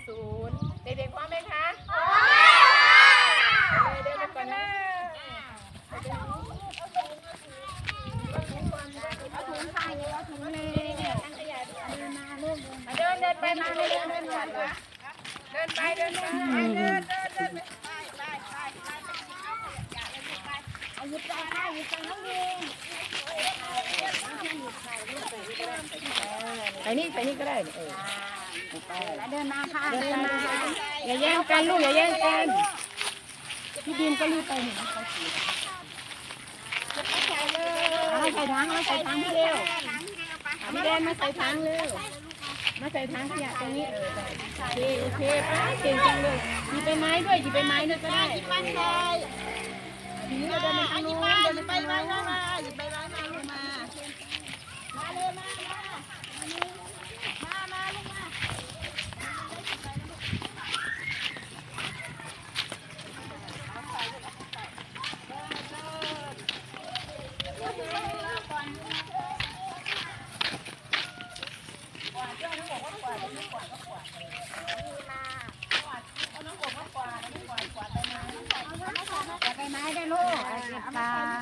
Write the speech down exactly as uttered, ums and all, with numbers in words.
ศูนย์เด็กๆพร้อมไหมคะเดินไปก่อนนะเอาถุงใส่เอาถุงเลยทั้งขยะเดินมาลูกเดินเดินไปมาเลยเดินเดินเดินไปเดินไปเดินเดินเดินไปไปไปไปไปเอาขยะเลยไปเอาหยิบไปค่ะหยิบไปน้องดีไปนี่ไปนี่ก็ได้เออเดินมาค่ะเดินมาอย่าแย่งกันลูกอย่าแย่งกันพี่ดินก็รีบไปเห็นเขาขี่เอาใส่ถังเอาใส่ถังพี่เร็วพี่เดนมาใส่ถังเร็วมาใส่ถังขยะตรงนี้เออโอเคโอเคป้าเก่งจังเลยหยิบใบไม้ด้วยหยิบใบไม้ด้วยก็ได้หยิบไปเลยทีนี้เราเดินไปทางโน้นเดินไปไม้มาหยิบใบไม้มาลงมามาเลยมามามาลงมาไปไม้ได้ลูกไป